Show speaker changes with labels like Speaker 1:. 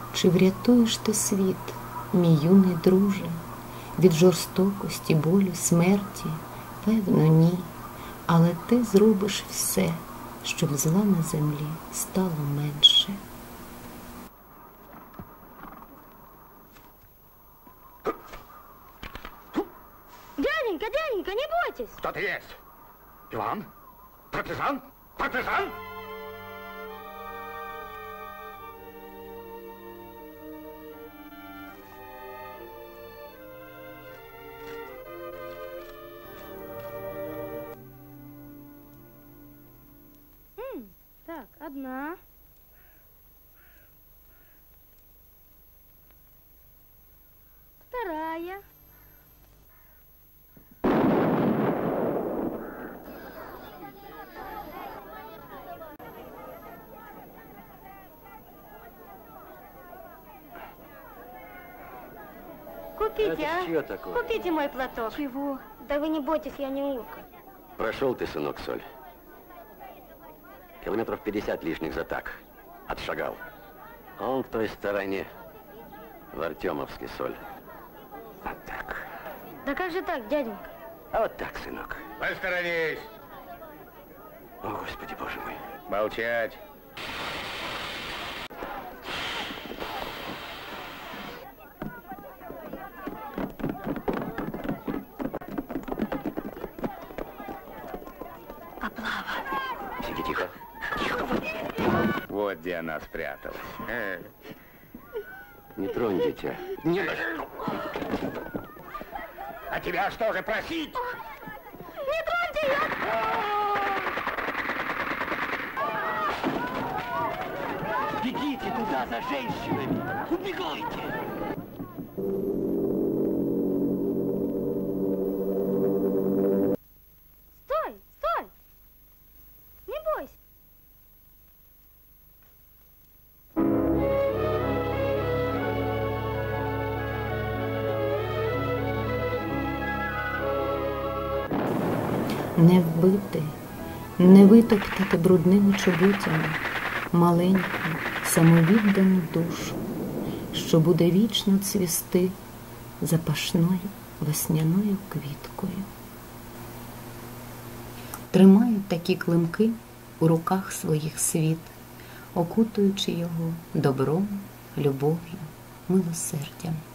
Speaker 1: Чи врятуєш ти світ, мій юний друже, від жорстокості, болю, смерті? Певно, ні. Але ти зробиш все, щоб зла на землі стало менше.
Speaker 2: Дяденька, не бойтесь!
Speaker 3: Кто ты есть? Иван? Партизан? Партизан?
Speaker 2: Так, одна. Вторая. Купите,
Speaker 4: Это чье такое?
Speaker 2: Купите мой платок. Чего? Да вы не бойтесь, я не улка.
Speaker 4: Прошел ты, сынок, Соль. Километров 50 лишних за так. Отшагал. Он в той стороне. В Артемовске, Соль. Вот так.
Speaker 2: Да как же так, дяденька?
Speaker 4: А вот так, сынок.
Speaker 3: Посторонись!
Speaker 4: О, Господи, Боже мой.
Speaker 3: Молчать!
Speaker 4: Сиди тихо. Тихо.
Speaker 3: Вот где она спряталась.
Speaker 4: Не тронь, дитя. Не надо.
Speaker 3: А тебя что же просить?
Speaker 2: Не троньте ее!
Speaker 4: Бегите туда за женщинами. Убегайте.
Speaker 2: Стой, стой! Не бойся.
Speaker 1: Не вбити, не витоптати брудними чоботями маленьку, самовіддану душу, що буде вічно цвісти запашною весняною квіткою. Тримають такі климки у руках своїх світ, окутуючи його добром, любов'ю, милосердям.